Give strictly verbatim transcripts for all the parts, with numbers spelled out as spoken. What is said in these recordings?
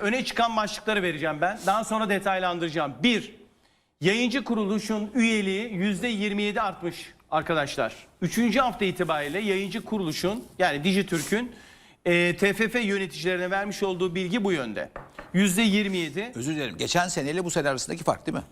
öne çıkan başlıkları vereceğim ben. Daha sonra detaylandıracağım. Bir, yayıncı kuruluşun üyeliği yüzde yirmi yedi artmış arkadaşlar. Üçüncü hafta itibariyle yayıncı kuruluşun yani Dijitürk'ün e, T F F yöneticilerine vermiş olduğu bilgi bu yönde. yüzde yirmi yedi. Özür dilerim. Geçen seneyle bu sene arasındaki fark değil mi?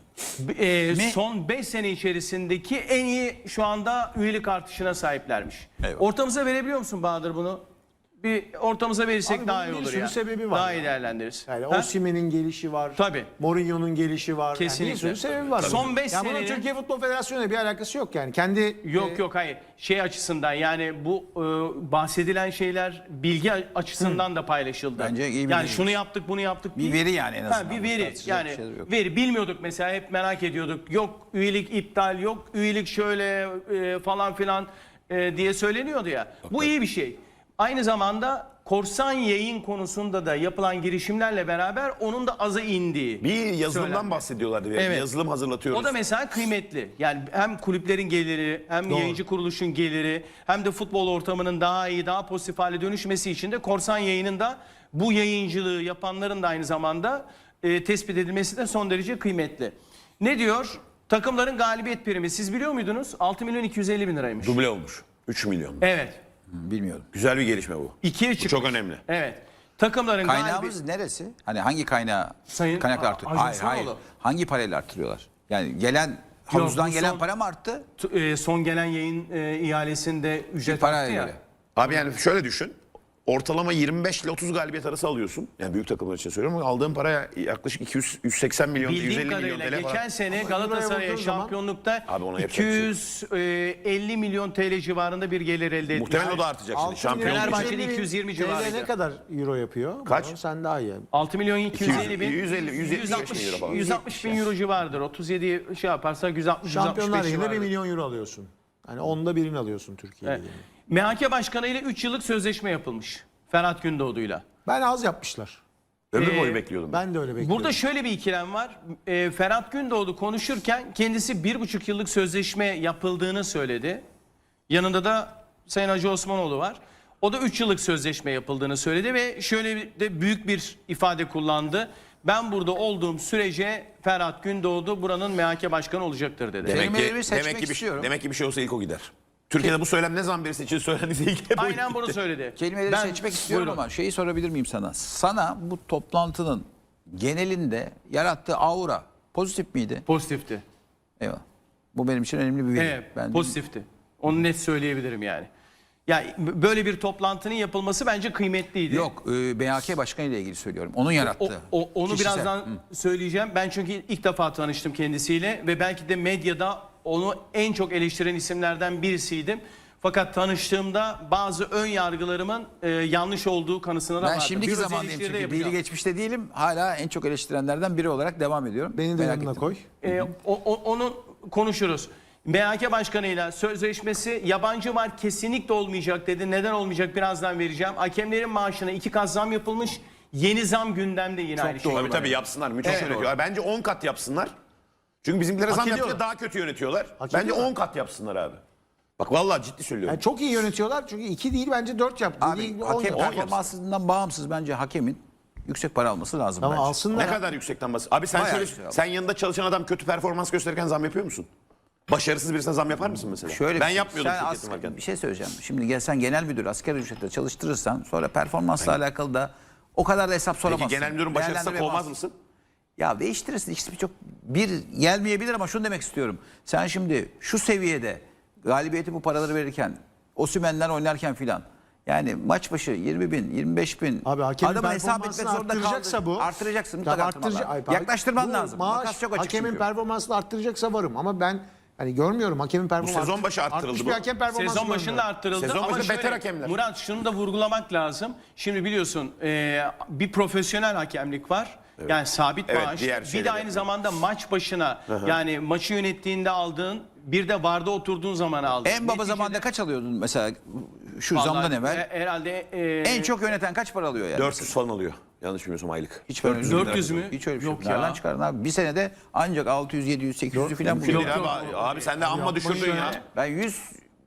E, Mi? son beş sene içerisindeki en iyi şu anda üyelik artışına sahiplermiş. Eyvallah. Ortamıza verebiliyor musun Bahadır bunu? Bir ortamıza verirsek Abi daha bunun iyi bir olur sürü ya. sebebi var Daha ya. iyi değerlendiririz. Yani Ha? Osimhen'in gelişi var. Tabii. Mourinho'nun gelişi var. Kesinlikle. Yani bir sürü sebebi var. Son beş yani bunun senenin- Türkiye Futbol Federasyonu'yla bir alakası yok yani. Kendi Yok e, yok hayır. Şey açısından yani bu e, bahsedilen şeyler bilgi açısından da paylaşıldı. Bence iyi bir Yani bilgi. şunu yaptık bunu yaptık Bir değil. veri yani en azından. Ha, bir veri Tartışacak yani bir şey yok. veri bilmiyorduk mesela hep merak ediyorduk. Yok üyelik iptal yok üyelik şöyle e, falan filan e, diye söyleniyordu ya. Bu iyi bir şey. Aynı zamanda korsan yayın konusunda da yapılan girişimlerle beraber onun da aza indiği. Bir yazılımdan söylendi. bahsediyorlardı. Evet. Yazılım hazırlatıyoruz. O da mesela kıymetli. Yani hem kulüplerin geliri, hem yayıncı kuruluşun geliri, hem de futbol ortamının daha iyi, daha pozitif hale dönüşmesi için de korsan yayının da bu yayıncılığı yapanların da aynı zamanda e, tespit edilmesi de son derece kıymetli. Ne diyor? Takımların galibiyet primi. Siz biliyor muydunuz? altı milyon iki yüz elli bin liraymış. Duble olmuş. üç milyon. Evet. Bilmiyorum. Güzel bir gelişme bu. ikiye Bu çıkmış. çok önemli. Evet. Takımların Kaynağımız galibiyet... neresi? Hani hangi kaynağı Sayın kaynaklar artırıyor? Acun Hayır hayır. Sanoğlu. Hangi parayla artırıyorlar? Yani gelen havuzdan bu gelen son- para mı arttı? T- e, son gelen yayın e, ihalesinde ücret Paraya arttı ya. göre. Abi yani şöyle düşün. Ortalama yirmi beş ile otuz galibiyet arası alıyorsun. Yani büyük takımlar için söylüyorum ama aldığın para yaklaşık iki yüz yüz seksen milyon, yüz Bildiğim elli milyon kadarıyla T L geçen falan. sene Ama Galatasaray'a Euro'ya vurduğun zaman- şampiyonlukta Abi ona yapacak iki bir şey yüz elli milyon T L civarında bir gelir elde etmiş. Muhtemelen o da artacak şimdi. altı Şampiyonluk milyon Fenerbahçe'de için. iki yüz yirmi T L civarıydı. ne kadar euro yapıyor? Kaç? Bunu sen daha iyi. altı milyon iki yüz elli bin. yüz elli, yüz yetmiş altmış bin euro falan. yüz altmış bin euro civarıdır. otuz yedi şey yaparsak yüz altmış yüz altmış Şampiyonlar beş Ligi'nde bir civarıdır. milyon euro alıyorsun. Yani onda birini alıyorsun Türkiye Evet. Ligi'nin. M H K Başkanı ile üç yıllık sözleşme yapılmış. Ferhat Gündoğdu'yla. Ben az yapmışlar. Ömür Ee, boyu bekliyordum. Ben de öyle bekliyorum. Burada şöyle bir ikilem var. E, Ferhat Gündoğdu konuşurken kendisi bir buçuk yıllık sözleşme yapıldığını söyledi. Yanında da Sayın Hacı Osmanoğlu var. O da üç yıllık sözleşme yapıldığını söyledi ve şöyle de büyük bir ifade kullandı. Ben burada olduğum sürece Ferhat Gündoğdu buranın M H K başkanı olacaktır dedi. Demek ki, Kelimelerimi seçmek demek ki bir, istiyorum. demek ki bir şey olsa ilk o gider. Türkiye'de bu söylem ne zaman birisi için söylendiyse ilk hep o Aynen gitti. bunu söyledi. Kelimeleri Ben- seçmek istiyorum Buyurun. ama şeyi sorabilir miyim sana? Sana bu toplantının genelinde yarattığı aura pozitif miydi? Pozitifti. Eyvallah. Bu benim için önemli bir veri. Evet, Ben pozitifti. Onu net söyleyebilirim yani. Ya böyle bir toplantının yapılması bence kıymetliydi. Yok, e, M H K Başkanı ile ilgili söylüyorum. Onun O, yarattığı. o- onu kişisel. birazdan söyleyeceğim. Ben çünkü ilk defa tanıştım kendisiyle ve belki de medyada onu en çok eleştiren isimlerden birisiydim. Fakat tanıştığımda bazı ön yargılarımın e, yanlış olduğu kanısına da Ben vardım. şimdiki Bir öz zamandayım eleştiri de çünkü. yapacağım. Dili geçmişte değilim. Hala en çok eleştirenlerden biri olarak devam ediyorum. Beni de Merak yanına ettim. koy. E, o- o- onu konuşuruz. M H K Başkanı'yla sözleşmesi yabancı var kesinlikle olmayacak dedi. Neden olmayacak birazdan vereceğim. Hakemlerin maaşına iki kat zam yapılmış. Yeni zam gündemde yine aynı şey. Tabii tabii yapsınlar. Müthiş Evet. yönetiyorlar. Bence on kat yapsınlar. Çünkü bizimkilere zam ediyorlar. yapınca daha kötü yönetiyorlar. Hak Bence ediyorlar. on kat yapsınlar abi. Bak vallahi ciddi söylüyorum. Yani çok iyi yönetiyorlar çünkü iki değil bence dört yaptı. Abi Değil, on hakem yaptı. performansından bağımsız bence hakemin yüksek para alması lazım Ama bence. alsınlar. Ne kadar yüksekten bas? Abi sen Bayağı şöyle, yüksek abi. sen yanında çalışan adam kötü performans gösterirken zam yapıyor musun? Başarısız birisine zam yapar mısın mesela? Şöyle ben bir şey, yapmıyordum sen şirketim as- varken. Bir şey söyleyeceğim. Şimdi gel sen genel müdür asgari ücretle çalıştırırsan sonra performansla alakalı da o kadar da hesap soramazsın. Peki genel müdürün başarısızsa kovmaz Değerlendiremezsin. mısın? Ya değiştirirsin. İkisi çok bir gelmeyebilir ama şunu demek istiyorum. Sen şimdi şu seviyede galibiyeti bu paraları verirken Osimhen'ler oynarken filan yani maç başı yirmi bin, yirmi beş bin Abi hakemin adamı hesap etmek performansını zorunda arttıracaksa kaldı. bu. Artıracaksın. Tamam, Mutlaka arttırıcı- arttırman Ay, lazım. Yaklaştırman bu lazım. Maaş, Makas çok açık hakemin çünkü. performansını arttıracaksa varım ama ben hani görmüyorum hakemin performansı. sezon başı arttırıldı Artmış bu. bir hakem performansı Sezon başında görmüyorum. arttırıldı Sezon ama başında şöyle, beter hakemler. Murat şunu da vurgulamak lazım. Şimdi biliyorsun e, bir profesyonel hakemlik var. Yani sabit Evet, maaş. diğer Bir de şeyler aynı yapıyor. zamanda maç başına yani maçı yönettiğinde aldığın bir de varda oturduğun zaman aldığın. En baba Neticede- zamanında kaç alıyordun mesela şu Vallahi, zamdan evvel? e, herhalde e, En çok yöneten kaç para alıyor yani? dört yüz falan alıyor. Yanlış bilmiyorsam aylık. Hiç böyle dört yüz mü? Hiç öyle bir şey Yok yok. Nereden ya. çıkardın abi? Bir senede ancak altı yüz, yedi yüz, sekiz yüz falan Mümkün buluyor. değil abi. Abi sen de amma düşürdün ya. Ben yüz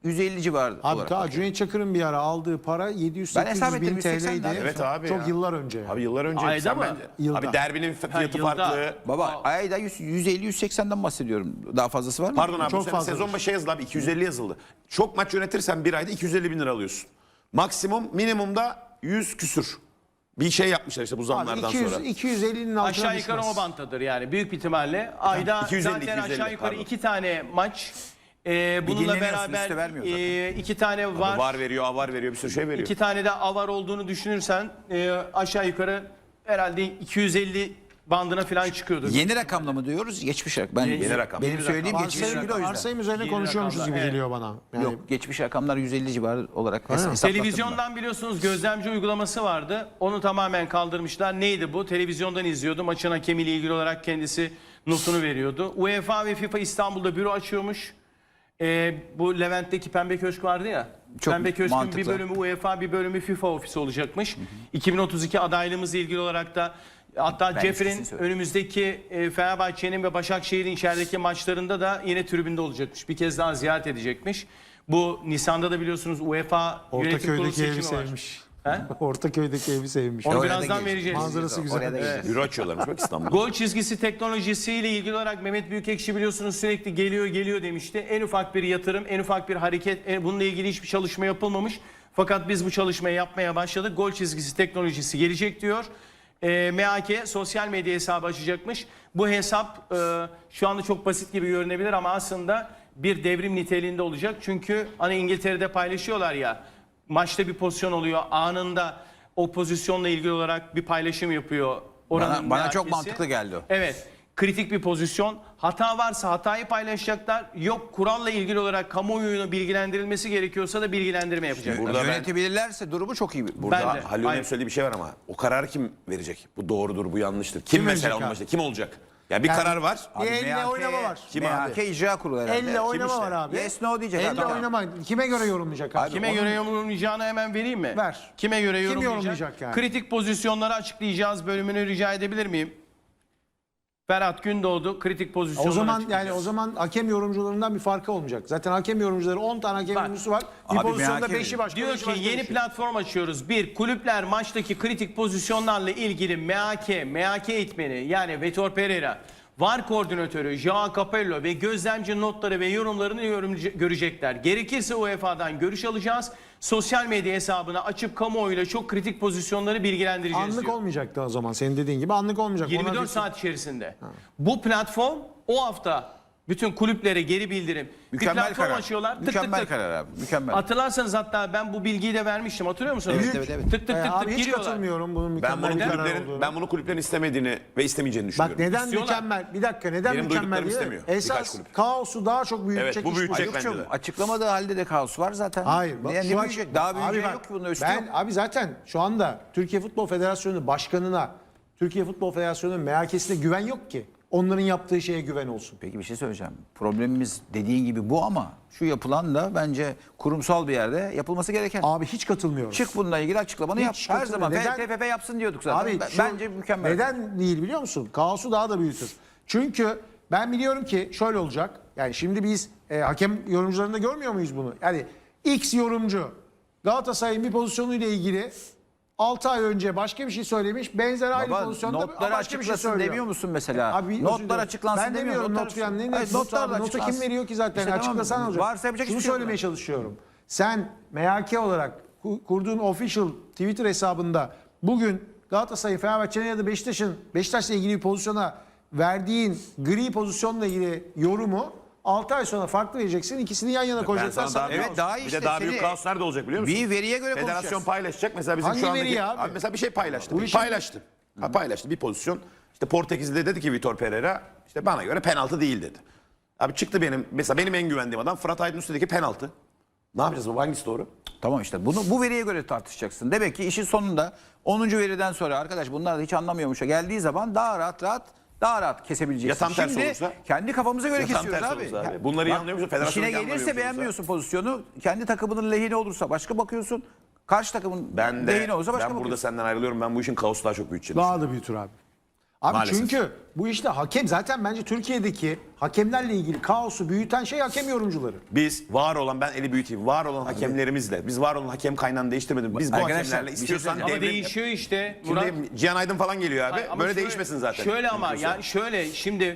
yüz elli civarı Abi olarak. ta bakıyorum. Cüneyt Çakır'ın bir ara aldığı para yedi yüz Ben hesap sekiz yüz bin ettim, yüz seksen T L'ydi. lira. Evet abi Çok ya. yıllar önce. Abi yıllar önce. Ayda sen mı? bence- Yılda. Abi derbinin fiyatı yılda. farklı. Baba ayda yüz, yüz elli yüz seksenden bahsediyorum. Daha fazlası var mı? Pardon abi Çok bu sene fazladır. sezon başı yazıldı abi iki yüz elli yazıldı. Çok maç yönetirsen bir ayda iki yüz elli bin lira alıyorsun. Maksimum minimumda yüz küsür. Bir şey yapmışlar işte bu Abi zamlardan iki yüz, sonra. iki yüz ellinin altına Aşağı yukarı düşmez. o banttadır yani büyük bir ihtimalle. Ayda iki yüz elli, zaten iki yüz elli, aşağı yukarı pardon. iki tane maç. Ee, bununla dinleniyorsun, beraber üstü vermiyor zaten. e, iki tane var. Var veriyor, avar veriyor, bir sürü şey veriyor. İki tane de avar olduğunu düşünürsen e, aşağı yukarı herhalde iki yüz elli bandına falan çıkıyordur. Yeni rakamla mı diyoruz? Geçmiş rakam. Ben, Yeni rakam. Benim Yeni söylediğim rakam. geçmiş Varsayım, rakam. O yüzden. varsayım üzerine Yeni konuşuyormuşuz rakamlar, gibi evet. geliyor bana. Yani Yok geçmiş rakamlar yüz elli civarı olarak hesa- hesaplattım ben. Televizyondan biliyorsunuz gözlemci uygulaması vardı. Onu tamamen kaldırmışlar. Neydi bu? Televizyondan izliyordu. Maçın hakemiyle ilgili olarak kendisi notunu veriyordu. UEFA ve FIFA İstanbul'da büro açıyormuş. Ee, bu Levent'teki Pembe Köşk vardı ya. Çok Pembe Köşk'ün mantıklı. bir bölümü UEFA, bir bölümü FIFA ofisi olacakmış. iki bin otuz iki adaylığımızla ilgili olarak da hatta Ben Jeffrey'in eskisini söyledim. önümüzdeki e, Fenerbahçe'nin ve Başakşehir'in içerideki maçlarında da yine tribünde olacakmış. Bir kez daha ziyaret edecekmiş. Bu Nisan'da da biliyorsunuz UEFA yönetim kurulu Ortaköy'deki evi seçimi var. sevmiş. He? Ortaköy'deki evi sevmiş. Onu Oraya da birazdan geleceğiz. vereceğiz. Manzarası güzel. Oraya da Evet. geleceğiz. Büro açıyorlarmış bak İstanbul'da. Gol çizgisi teknolojisiyle ilgili olarak Mehmet Büyükekşi biliyorsunuz sürekli geliyor geliyor demişti. En ufak bir yatırım, en ufak bir hareket, en- bununla ilgili hiçbir çalışma yapılmamış. Fakat biz bu çalışmayı yapmaya başladık. Gol çizgisi teknolojisi gelecek diyor. E, M A K sosyal medya hesabı açacakmış. Bu hesap e, şu anda çok basit gibi görünebilir ama aslında bir devrim niteliğinde olacak. Çünkü hani İngiltere'de paylaşıyorlar ya, maçta bir pozisyon oluyor, anında o pozisyonla ilgili olarak bir paylaşım yapıyor. Bana, bana çok M A K'si. mantıklı geldi o. Evet. Kritik bir pozisyon. Hata varsa hatayı paylaşacaklar. Yok kuralla ilgili olarak kamuoyunu bilgilendirilmesi gerekiyorsa da bilgilendirme yapacaklar. Burada ben- Yönetebilirlerse durumu çok iyi. Burada Ben de. Halil'in Aynen. hep söylediği bir şey var ama o kararı kim verecek? Bu doğrudur, bu yanlıştır. Kim, Kim mesela verecek onun abi? başında? Kim olacak? Ya bir Yani- karar var. Bir elle oynama var. Kim M A abi? K icra kurulu herhalde. Elle oynama işte? var abi. Yes, no diyecek Elle adam. oynama. Kime göre yorumlayacak abi? Kime Onun- göre yorumlayacağını hemen vereyim mi? Ver. Kime göre Kim yorumlayacak? yorumlayacak yani? Kritik pozisyonları açıklayacağız bölümünü rica edebilir miyim? Ferhat Gündoğdu kritik pozisyonları O zaman açıklayacağız. yani o zaman hakem yorumcularından bir farkı olmayacak. Zaten hakem yorumcuları on tane hakem Bak. yorumcusu var. Bir Abi pozisyonda merak beşi ediyorum. başka. Diyor beşi ki başka yeni bir şey. platform açıyoruz. Bir, kulüpler maçtaki kritik pozisyonlarla ilgili M A K, M A K eğitmeni yani Vitor Pereira, V A R koordinatörü Joao Capello ve gözlemci notları ve yorumlarını yorumcu- görecekler. Gerekirse U E F A'dan görüş alacağız. Sosyal medya hesabını açıp kamuoyuyla çok kritik pozisyonları bilgilendireceğiz Anlık diyor. olmayacaktı o zaman senin dediğin gibi anlık olmayacak. yirmi Ona dört bir- saat içerisinde. Bu platform o hafta bütün kulüplere geri bildirim. bir Mükemmel platform karar. açıyorlar. Tık Mükemmel tık tık. karar abi. Mükemmel. Hatırlarsanız hatta ben bu bilgiyi de vermiştim. Hatırlıyor musunuz? Evet, evet, evet. Tık tık tık Ee, tık abi hiç giriyorlar. katılmıyorum bunun Ben mükemmel bunu bir karar kulüplerin olduğunu. ben bunu kulüplerin istemediğini ve istemeyeceğini Bak düşünüyorum. neden İstiyorlar. mükemmel? Bir dakika neden Benim mükemmel duyduklarım değil? istemiyor birkaç Esas kulüp. kaosu daha çok büyütecek Evet, bu iş büyütecek bu. bence Yok de. çok açıklamadığı halde de kaos var zaten. Hayır. Bak, Ne, şu ne an- büyüyecek? Daha büyüyecek bak, yok ki bunun üstü ben, yok. Abi zaten şu anda Türkiye Futbol Federasyonu başkanına, Türkiye Futbol Federasyonu'nun M A K'sine güven yok ki. Onların yaptığı şeye güven olsun. Peki bir şey söyleyeceğim. Problemimiz dediğin gibi bu ama şu yapılan da bence kurumsal bir yerde yapılması gereken. Abi hiç katılmıyorum. Çık bununla ilgili açıklamanı yap. Hiç Her katılmıyorum. zaman Neden? T F F yapsın diyorduk zaten. Abi Ben- şu- bence mükemmel. Neden değil biliyor musun? Kaosu daha da büyütür. Çünkü ben biliyorum ki şöyle olacak. Yani şimdi biz e, hakem yorumcularında görmüyor muyuz bunu? Yani X yorumcu Galatasaray'ın bir pozisyonuyla ilgili altı ay önce başka bir şey söylemiş. Benzer aynı Baba, pozisyonda notları başka bir şey açıklasın söylüyor. demiyor musun mesela? Abi, özür Notlar dilerim. açıklansın ben demiyor. demiyorum Notlar not falan. Ne açıklansın. ne Hayır, notlar notlar da Notu kim açıklansın. veriyor ki zaten? İşte tamam, Açıklasan olacak. varsa yapacak Şunu hiçbir şey yok söylemeye yani. çalışıyorum. Sen M A K olarak ku- kurduğun official Twitter hesabında bugün Galatasaray'ın, Fenerbahçe'nin ya da Beşiktaş'ın Beşiktaş'la ilgili bir pozisyona verdiğin gri pozisyonla ilgili yorumu altı ay sonra farklı vereceksin. İkisini yan yana Ben koyacaksın. sana daha, Sana Evet, kaos. daha bir işte de daha seni- büyük kaos nerede olacak biliyor musun? Bir veriye göre Federasyon konuşacağız. paylaşacak. Mesela bizim Hangi şu andaki veri abi? mesela bir şey paylaştı. Bu işin- Paylaştı. Ha, paylaştı bir pozisyon. İşte Portekiz'de dedi ki Vitor Pereira işte bana göre penaltı değil dedi. Abi çıktı benim mesela benim en güvendiğim adam Fırat Aydın üstündeki penaltı. Ne yapacağız bu? Hangisi doğru? Tamam işte bunu bu veriye göre tartışacaksın. Demek ki işin sonunda onuncu veriden sonra arkadaş bunlar da hiç anlamıyormuşa geldiği zaman daha rahat rahat daha rahat kesebileceksin. Ya tam tersi Şimdi olursa? kendi kafamıza göre Ya tam kesiyoruz tersi abi. olursa abi. Ya, Bunları iyi bak, anlıyor musun? Federasyonu İşine iyi anlamıyor gelirse musun beğenmiyorsun pozisyonu. Kendi takımının lehine olursa başka bakıyorsun. Karşı takımın Ben de lehine olursa başka ben burada bakıyorsun. senden ayrılıyorum. Ben bu işin kaosu daha çok büyüteceğini Daha da büyütür abi. Abi Maalesef. çünkü bu işte hakem zaten bence Türkiye'deki hakemlerle ilgili kaosu büyüten şey hakem yorumcuları. Biz var olan, ben eli büyüteyim, var olan hakemlerimizle, biz var olan hakem kaynağını değiştirmedik. Biz bu Arkadaşlar, hakemlerle bir şey istiyorsan Ama devrim... değişiyor işte Murat. Şimdi Cihan Aydın falan geliyor abi. Hayır, ama Böyle şöyle- değişmesin zaten. Şöyle ama Mümkünse. ya şöyle şimdi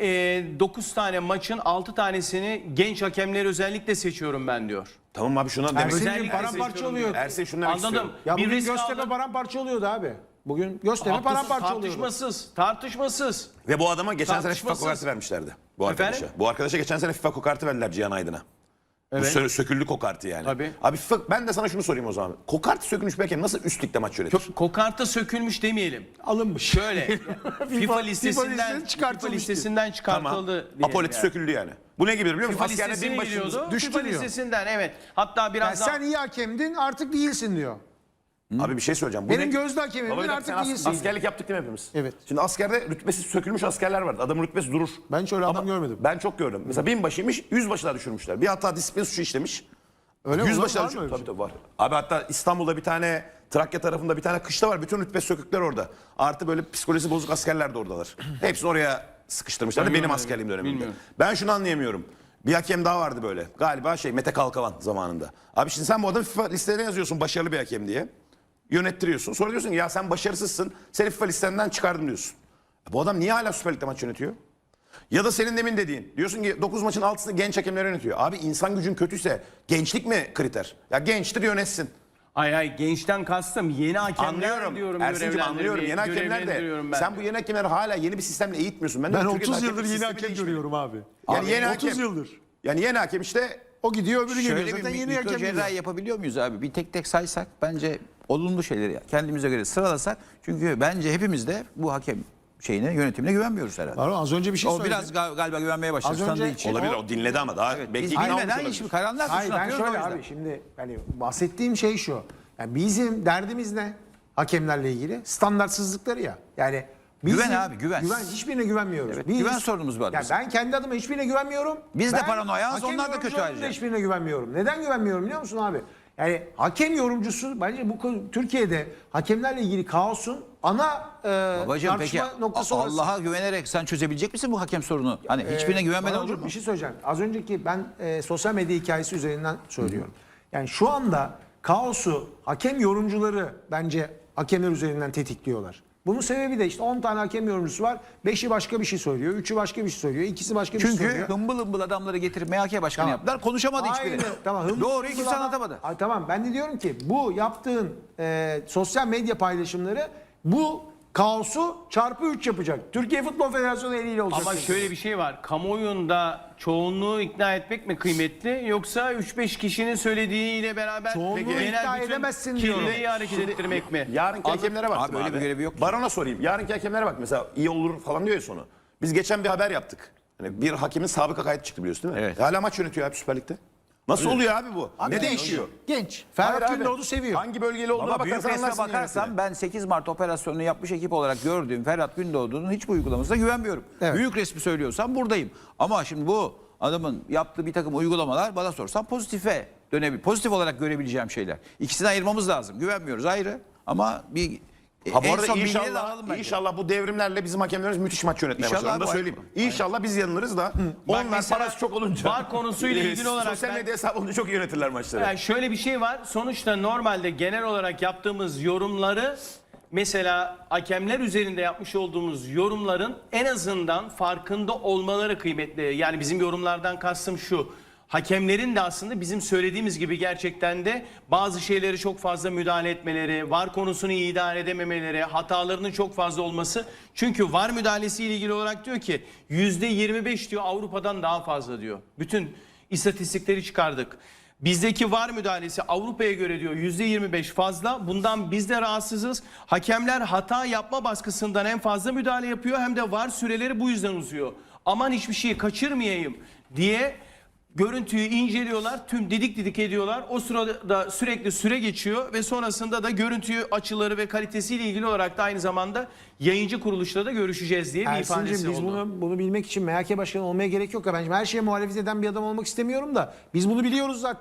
dokuz tane maçın altı tanesini genç hakemleri özellikle seçiyorum ben diyor. Tamam abi şuna demek Ersin'cim Özellikle paramparça seçiyorum oluyor. diyor. Ersin şunu demek Anladım. istiyorum. Ya Bir bugün risk Göztepe aldım. paramparça oluyordu abi. Bugün Göztepe Haklısın, paramparça oluyordu. tartışmasız, tartışmasız. Ve bu adama geçen sene FIFA Tartışmasız. kokartı vermişlerdi. Bu Efendim? arkadaşa. Bu arkadaşa geçen sene FIFA kokartı verdiler Cihan Aydın'a. Bu Evet. sö- söküldü kokartı yani. Tabii. Abi FIFA, ben de sana şunu sorayım o zaman. Kokartı sökülmüş bir hakem nasıl üst ligde maç yönetir? Kokarta sökülmüş demeyelim. Alınmış. Şöyle FIFA listesinden listesinden FIFA çıkartılmış listesinden çıkartıldı. Tamam. diyelim Apoliti yani. söküldü yani. Bu ne gibi biliyor musun? FIFA Askerde listesine bin başımız giriyordu. düştü FIFA diyor. listesinden evet. Hatta biraz Yani daha sen iyi hakemdin artık değilsin diyor. Abi bir şey söyleyeceğim. Bu Benim ne- gözde hakemimdin, Baba bir dakika, artık sen as- değilsin. Askerlik yaptık değil mi hepimiz? Evet. Şimdi askerde rütbesi sökülmüş askerler vardı. Adamın rütbesi durur. Ben hiç öyle adam görmedim. Ben çok gördüm. Mesela binbaşıymış, yüzbaşına düşürmüşler. Bir hatta disiplin suçu işlemiş. Öyle mi? Yüzbaşına Var mı düşürmüş. öyle bir Tabii tabii var. Abi hatta İstanbul'da bir tane, Trakya tarafında bir tane kışla var. Bütün rütbe sökükler orada. Artı böyle psikolojisi bozuk askerler de oradalar. Hepsini oraya sıkıştırmışlar. Benim Bilmiyorum, askerliğim döneminde. bilmiyorum. Ben şunu anlayamıyorum. Bir hakem daha vardı böyle. Galiba şey Mete Kalkavan zamanında. Abi şimdi sen bu adamı FIFA listelerine yazıyorsun başarılı bir hakem diye. Yönettiriyorsun. Sonra diyorsun ki ya sen başarısızsın. Seni FIFA listenden çıkardım diyorsun. E bu adam niye hala Süper Lig'de maç yönetiyor? Ya da senin demin dediğin. Diyorsun ki dokuz maçın altısını genç hakemler yönetiyor. Abi insan gücün kötüyse gençlik mi kriter? Ya gençtir yönetsin. Ay ay gençten kastım yeni hakemler Anlıyorum. diyorum. Ersin'cim anlıyorum. Yeni hakemler de. görevlendiriyorum ben. Sen bu yeni hakemleri hala yeni bir sistemle eğitmiyorsun. Ben Türkiye'de otuz hakem yıldır yeni sistemi hakem değişmedi. görüyorum abi. Yani Abi, yeni otuz hakem. yıldır. Yani yeni hakem işte O gidiyor öbürü geliyor. Şöyle bir Zaten yeni mikro hakem cerrahi geliyor. yapabiliyor muyuz abi? Bir tek tek saysak bence olumlu şeyleri kendimize göre sıralasak. Çünkü bence hepimiz de bu hakem şeyine, yönetimine güvenmiyoruz herhalde. Pardon, az önce bir şey O söyledim. biraz gal- galiba güvenmeye başladı Az önce- sandığı için. olabilir. O dinledi ama daha belki Biz ikna olmuş bilmeden olabilir. hiçbir karanlık Hayır ben atıyoruz o şöyle yüzden. abi şimdi hani bahsettiğim şey şu. Yani bizim derdimiz ne? Hakemlerle ilgili standartsızlıkları ya. Yani bizim, Güven abi, güven. Güven hiçbirine güvenmiyoruz. Evet, güven sorunumuz var Yani bizim. ben kendi adıma hiçbirine güvenmiyorum. Biz de Ben paranoyaz, hakem onlar da kötü yorumcularının ayrıca. da hiçbirine güvenmiyorum. Neden güvenmiyorum biliyor musun abi? Yani hakem yorumcusu bence bu konu- Türkiye'de hakemlerle ilgili kaosun ana e, Babacığım peki tartışma noktası orası. Allah'a güvenerek sen çözebilecek misin bu hakem sorunu? Hani hiçbirine güvenmeden Bana olur hocam mu? Bir şey söyleyeceğim. Az önceki ben e, sosyal medya hikayesi üzerinden söylüyorum. Yani şu anda kaosu hakem yorumcuları bence hakemler üzerinden tetikliyorlar. Bunun sebebi de işte on tane hakem yorumcusu var. beşi başka bir şey söylüyor. üçü başka bir şey söylüyor. ikisi başka bir şey Çünkü söylüyor. hımbıl hımbıl adamları getirip M H K başkanı Tamam. yaptılar. Konuşamadı Aynı, hiçbiri. tamam, hımbıl Doğruyu hımbıl kimse adam- anlatamadı. Ay, tamam ben de diyorum ki bu yaptığın e, sosyal medya paylaşımları bu kaosu çarpı üç yapacak. Türkiye Futbol Federasyonu eliyle olacak. Ama şöyle bir şey var. Kamuoyunda çoğunluğu ikna etmek mi kıymetli yoksa üç beş kişinin söylediğiyle beraber Çoğunluğu genel ikna bütün edemezsin diyorum. kitleyi hareket ettirmek mi? Yarınki hakemlere bak. Abi öyle bir görevi yok ki. Barona sorayım. Yarınki hakemlere bak. Mesela iyi olur falan diyor ya sonu. Biz geçen bir haber yaptık. Hani bir hakemin sabıka kaydı çıktı biliyorsun değil mi? Evet. Hala maç yönetiyor abi Süper Lig'de. Nasıl oluyor abi bu? ne değişiyor? Genç. Hayır Ferhat abi. Gündoğdu seviyor. Hangi bölgeli olduğuna Ama büyük bakarsan resme anlarsın bakarsan yönetimi. ben sekiz Mart operasyonunu yapmış ekip olarak gördüğüm Ferhat Gündoğdu'nun hiçbir uygulamasına güvenmiyorum. Evet. Büyük resmi söylüyorsam buradayım. Ama şimdi bu adamın yaptığı bir takım uygulamalar bana sorsan pozitife dönebilir. Pozitif olarak görebileceğim şeyler. İkisini ayırmamız lazım. Güvenmiyoruz ayrı ama bir Ha bu en arada son bilgileri de inşallah, alalım bence. inşallah bu devrimlerle bizim hakemlerimiz müthiş maç yönetmeye İnşallah başlar. Onu da bu- söyleyeyim. İnşallah biz yanılırız da onlar mesela parası çok olunca. VAR konusuyla e, ilgili olarak Sosyal ben- medya hesabı olunca çok iyi yönetirler maçları. Yani şöyle bir şey var. Sonuçta normalde genel olarak yaptığımız yorumları mesela hakemler üzerinde yapmış olduğumuz yorumların en azından farkında olmaları kıymetli. Yani bizim yorumlardan kastım şu. Hakemlerin de aslında bizim söylediğimiz gibi gerçekten de bazı şeyleri çok fazla müdahale etmeleri, VAR konusunu iyi idare edememeleri, hatalarının çok fazla olması. Çünkü VAR müdahalesiyle ilgili olarak diyor ki yüzde yirmi beş diyor Avrupa'dan daha fazla diyor. Bütün istatistikleri çıkardık. Bizdeki VAR müdahalesi Avrupa'ya göre diyor yüzde yirmi beş fazla. Bundan biz de rahatsızız. Hakemler hata yapma baskısından en fazla müdahale yapıyor. Hem de VAR süreleri bu yüzden uzuyor. Aman hiçbir şeyi kaçırmayayım diye görüntüyü inceliyorlar. Tüm didik didik ediyorlar. O sırada sürekli süre geçiyor ve sonrasında da görüntü açıları ve kalitesiyle ilgili olarak da aynı zamanda yayıncı kuruluşla da görüşeceğiz diye bir ifadesi Ersin'cim biz oldu. bunu, bunu bilmek için M H K başkanı olmaya gerek yok. Ya. Ben her şeye muhalefet eden bir adam olmak istemiyorum da biz bunu biliyoruz zaten.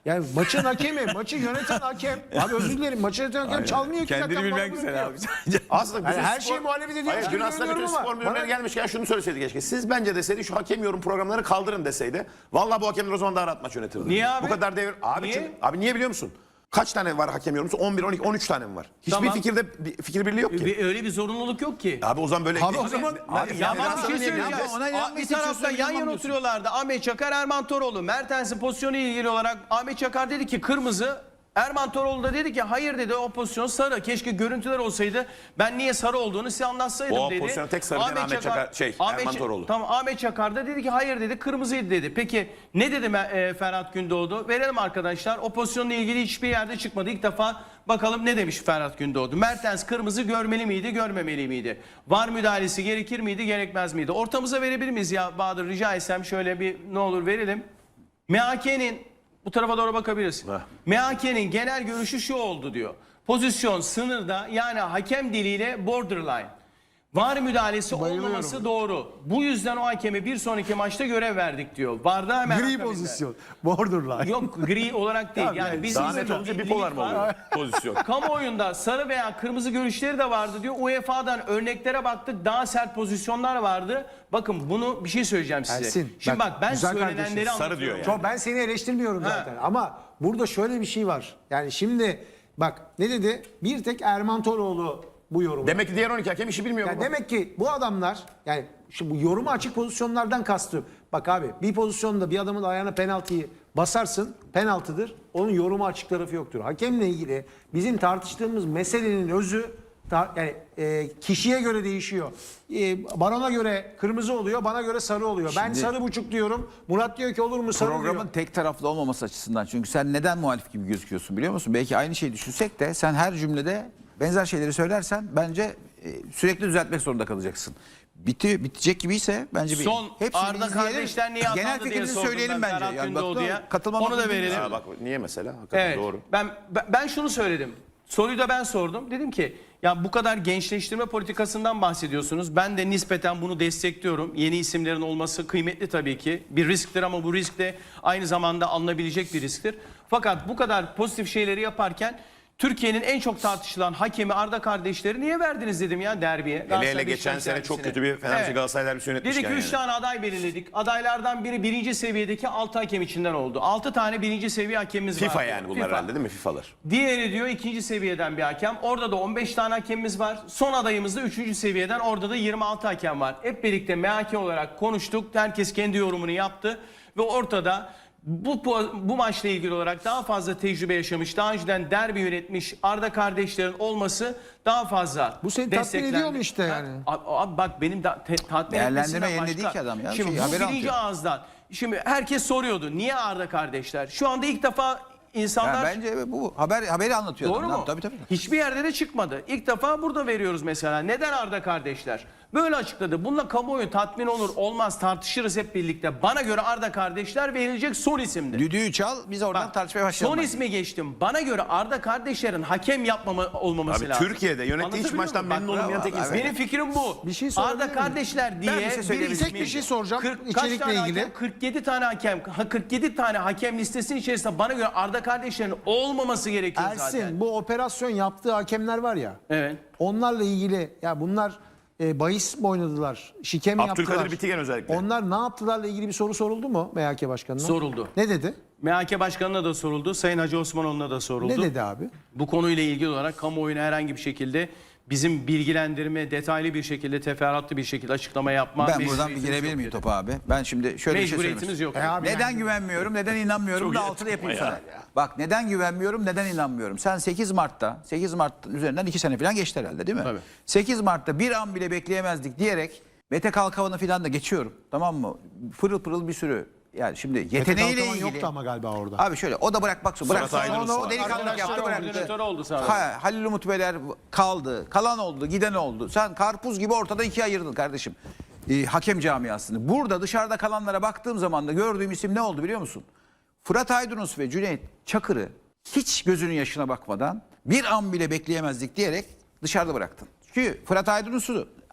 Yani maçın hakemi, maçı yöneten hakem. Abi özür dilerim, maçı yöneten hakem çalmıyor ki. Kendini dakika, bilmek bana güzel bırakıyor. abi. Aslında Yani bütün her spor- şeyi muhalefet ediyormuş Hayır, gibi dün aslında bütün görünüyorum spor ama müdürleri bana- gelmişken şunu söyleseydi keşke. Siz bence deseydi şu hakem yorum programlarını kaldırın deseydi. Vallahi bu hakemler o zaman daha rahat maç yönetirdi. Niye abi? Bu kadar devir. Abi Niye? çünkü- abi niye biliyor musun? Kaç tane var hakem yorumcusu? on bir, on iki, on üç tane mi var? Hiçbir Tamam. fikirde bir fikir birliği yok ki. Bir- Öyle bir zorunluluk yok ki. Abi o zaman böyle... Abi o zaman- Abi, Ya federasyonu bak bir şey niye söyleyeceğim. bileceğiz? Ona Aa, inanmak Bir istiyorsan tarafta yan yana inanmıyorsun. oturuyorlardı. Ahmet Çakar, Erman Toroğlu. Mertens'in pozisyonu ile ilgili olarak Ahmet Çakar dedi ki kırmızı. Erman Toroğlu da dedi ki hayır dedi, o pozisyon sarı. Keşke görüntüler olsaydı. Ben niye sarı olduğunu size anlatsaydım O dedi. pozisyona tek sarı diyen Ahmet Çakar- şey, Erman Ç- Toroğlu. Tamam, Ahmet Çakar da dedi ki hayır dedi, kırmızıydı dedi. Peki ne dedi e, Ferhat Gündoğdu? Verelim arkadaşlar. O pozisyonla ilgili hiçbir yerde çıkmadı. İlk defa bakalım ne demiş Ferhat Gündoğdu. Mertens kırmızı görmeli miydi, görmemeli miydi? Var müdahalesi gerekir miydi, gerekmez miydi? Ortamıza verebilir miyiz ya Bahadır, rica etsem şöyle bir ne olur verelim. M H K'nin bu tarafa doğru bakabilirsin. Heh. M H K'nin genel görüşü şu oldu diyor. Pozisyon sınırda, yani hakem diliyle borderline. Var müdahalesi Bayılıyorum. olmaması doğru. Bu yüzden o hakeme bir sonraki maçta görev verdik diyor. Varda hemen Gri akabinde. pozisyon. Borderline. Yok, gri olarak değil. Tamam, Yani yani biz Daha bizim net olunca bir bipolar limit mı var. oluyor pozisyon? Kamuoyunda sarı veya kırmızı görüşleri de vardı diyor. U E F A'dan örneklere baktık. Daha sert pozisyonlar vardı. Bakın bunu bir şey söyleyeceğim size. Ersin, Şimdi bak, bak, ben güzel söylenenleri kardeşim. Sarı anlatıyorum. diyor yani. Çok, ben seni eleştirmiyorum Ha. zaten ama burada şöyle bir şey var. Yani şimdi bak ne dedi? Bir tek Erman Toroğlu bu yorumu. Demek ki diğer on iki hakem işi bilmiyor. Yani baba. demek ki bu adamlar, yani şu bu yoruma açık pozisyonlardan kastım. Bak abi, bir pozisyonda bir adamın ayağına penaltıyı basarsın, penaltıdır. Onun yoruma açık tarafı yoktur. Hakemle ilgili bizim tartıştığımız meselenin özü ta- yani e, kişiye göre değişiyor. E, Baran'a göre kırmızı oluyor, bana göre sarı oluyor. ben Şimdi- sarı buçuk diyorum. Murat diyor ki olur mu sarı Programın diyor. tek taraflı olmaması açısından. Çünkü sen neden muhalif gibi gözüküyorsun biliyor musun? Belki aynı şeyi düşünsek de sen her cümlede benzer şeyleri söylersen bence e, sürekli düzeltmek zorunda kalacaksın. Biti, bitecek gibiyse bence bir Son hepsini Arda izleyelim. kardeşler niye Genel atandı diye fikrinizi sordum söyleyelim ben bence. Ferhat Yani bak, Gündoğdu'ya. katılmam Onu da hakkım verelim. Ha, bak niye mesela? Hakikaten Evet. doğru. Ben ben- ben şunu söyledim. Soruyu da ben sordum. Dedim ki ya bu kadar gençleştirme politikasından bahsediyorsunuz. Ben de nispeten bunu destekliyorum. Yeni isimlerin olması kıymetli tabii ki. Bir risktir ama bu risk de aynı zamanda alınabilecek bir risktir. Fakat bu kadar pozitif şeyleri yaparken Türkiye'nin en çok tartışılan hakemi Arda kardeşleri niye verdiniz dedim ya derbiye. Hele hele Galatasaray geçen Beşiktaş sene çok derbisine. kötü bir Fenerbahçe Evet. Galatasaray derbisi Dedik yönetmişken üç yani. tane aday belirledik. Adaylardan biri birinci seviyedeki altı hakem içinden oldu. altı tane birinci seviye hakemimiz var. FIFA yani bunlar herhalde değil mi? FIFA'lar. Diğeri diyor ikinci seviyeden bir hakem. Orada da on beş tane hakemimiz var. Son adayımız da üçüncü seviyeden. Orada da yirmi altı hakem var. Hep birlikte M H K olarak konuştuk. Herkes kendi yorumunu yaptı. Ve ortada bu, bu maçla ilgili olarak daha fazla tecrübe yaşamış, daha önceden derbi yönetmiş Arda kardeşlerin olması daha fazla Bu seni tatmin desteklendi. ediyor mu işte Ha, yani? Abi, abi bak benim da, te, tatmin Değerlendirme etmesinden yerine başka. değil ki adam ya. Şimdi Şey, bu haber birinci anlatıyor. ağızdan. Şimdi herkes soruyordu. Niye Arda kardeşler? Şu anda ilk defa insanlar... Ya bence bu haber haberi anlatıyor. Doğru adam. mu? Tabii tabii. Hiçbir yerde de çıkmadı. İlk defa burada veriyoruz mesela. Neden Arda kardeşler? Böyle açıkladı. Bununla kamuoyu tatmin olur olmaz tartışırız hep birlikte. Bana göre Arda kardeşler verilecek son isimdi. Düdüğü çal biz oradan Bak, tartışmaya başlayalım. son ismi geçtim. Bana göre Arda kardeşlerin hakem yapmama olmaması Abi lazım. Türkiye'de yönettiği hiç Anlatabiliyor maçtan muyum? memnun Bak, olmayan tek bravo, insan. evet. Benim fikrim bu. Bir şey sorabilir Arda miyim? kardeşler diye bir şey söyleyebilir Tek bir şey soracağım Kırk- kaç içerikle tane ilgili. hakem? kırk yedi tane hakem. Ha, kırk yedi tane hakem listesinin içerisinde bana göre Arda kardeşlerin olmaması gerekiyor Ersin, zaten. bu operasyon yaptığı hakemler var ya. Evet. Onlarla ilgili ya bunlar e, bahis mi oynadılar? Şike mi Abdülkadir yaptılar? Bitigen özellikle. Onlar ne yaptılarla ilgili bir soru soruldu mu M H K Başkanı'na? Soruldu. Ne dedi? M H K Başkanı'na da soruldu. Sayın Hacı Osmanoğlu'na da soruldu. Ne dedi abi? Bu konuyla ilgili olarak kamuoyuna herhangi bir şekilde bizim bilgilendirme, detaylı bir şekilde, teferruatlı bir şekilde açıklama yapma Ben buradan bir mecburiyetimiz girebilir yok miyim dedi. topa abi? Ben şimdi şöyle bir şey söylemek Mecburiyetimiz yok. E abi, Neden yani- güvenmiyorum, neden inanmıyorum Çok da iyi altını yapayım açıklama sana. ya. Bak neden güvenmiyorum, neden inanmıyorum. Sen sekiz Mart'ta, sekiz Mart üzerinden iki sene falan geçti herhalde değil mi? Tabii. sekiz Mart'ta bir an bile bekleyemezdik diyerek Mete Kalkavan'ı falan da geçiyorum. Tamam mı? Pırıl pırıl bir sürü. Yani şimdi Mete yeteneğiyle Kalkavan ilgili. yoktu ama galiba orada. Abi şöyle o da bırakmak zorunda. Bırak Fırat Aydınus sonra o var. delikanlık Arkadaşlar yaptı bıraktı. koordinatör oldu sana. Ha, Halil Umut Beyler kaldı. Kalan oldu, giden oldu. Sen karpuz gibi ortada ikiye ayırdın kardeşim. Ee, hakem camiasını. Burada dışarıda kalanlara baktığım zaman da gördüğüm isim ne oldu biliyor musun? Fırat Aydınus ve Cüneyt Çakır'ı hiç gözünün yaşına bakmadan bir an bile bekleyemezdik diyerek dışarıda bıraktın. Çünkü Fırat Aydınus'u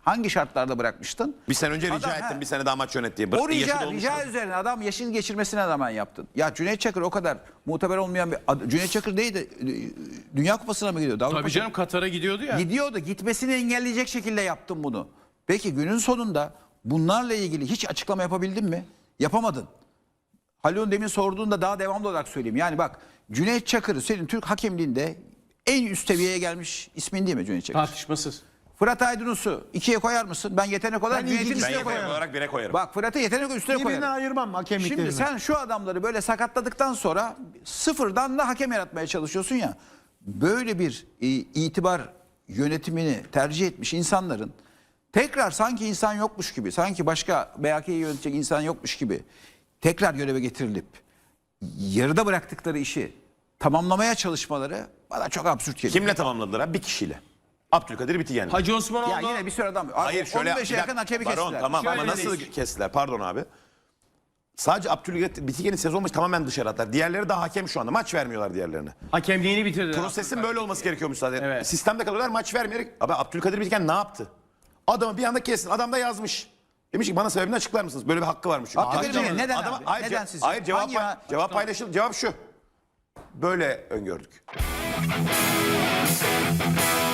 Hangi şartlarda bırakmıştın? Bir sene önce rica Adam, ettim ha. bir sene daha maç yönet diye. Bırak- O yaşı rica, dolmuş rica adam. üzerine adam yaşını geçirmesine rağmen yaptın. Ya Cüneyt Çakır o kadar muteber olmayan bir ad- Cüneyt Çakır değil de e, Dünya Kupası'na mı gidiyordu? Avrupa Tabii canım Katar'a gidiyordu ya. Gidiyordu. Gitmesini engelleyecek şekilde yaptın bunu. Peki günün sonunda bunlarla ilgili hiç açıklama yapabildin mi? Yapamadın. Halil'in demin sorduğunda daha devamlı olarak söyleyeyim. Yani bak Cüneyt Çakır senin Türk hakemliğinde en üst seviyeye gelmiş ismin değil mi Cüneyt Çakır? Tartışmasız. Fırat Aydınus'u ikiye koyar mısın? Ben yetenek olarak Ben Cüneyt'in ilginç- Ben üstüne yetenek koyarım. olarak bire koyarım. Bak Fırat'ı yetenek üstüne Birbirinden koyarım. ayırmam hakemliklerini. Şimdi sen şu adamları böyle sakatladıktan sonra sıfırdan da hakem yaratmaya çalışıyorsun ya. Böyle bir e, itibar yönetimini tercih etmiş insanların tekrar sanki insan yokmuş gibi, sanki başka B H K'yi yönetecek insan yokmuş gibi tekrar göreve getirilip yarıda bıraktıkları işi tamamlamaya çalışmaları bana çok absürt geliyor. Kimle tamamladılar abi? Bir kişiyle. Abdülkadir Bitigen. Hacı Osmanoğlu. Ya yine bir sürü adam. Hayır şöyle on beşe yakın hakemi Baron, kestiler. tamam Şöyle ama nasıl değil. kestiler? Pardon abi. Sadece Abdülkadir Bitigen'in sezon başı tamamen dışarı attılar. Diğerleri de hakem şu anda. Maç vermiyorlar diğerlerine. Hakemliğini bitirdi. Prosesin böyle olması gerekiyormuş zaten. Evet. Sistemde kalıyorlar maç vermeyerek. Abi Abdülkadir Bitigen ne yaptı? Adamı bir anda kessin. Adam da yazmış. Demiş ki bana sebebini açıklar mısınız? Böyle bir hakkı varmış. çünkü. Abdülkadir Adama- Bitigen neden adama- abi? Hayır, Neden ce- sizce? Hayır cevap, Hangi pay- ha- cevap paylaşıldı. Cevap şu. Böyle öngördük.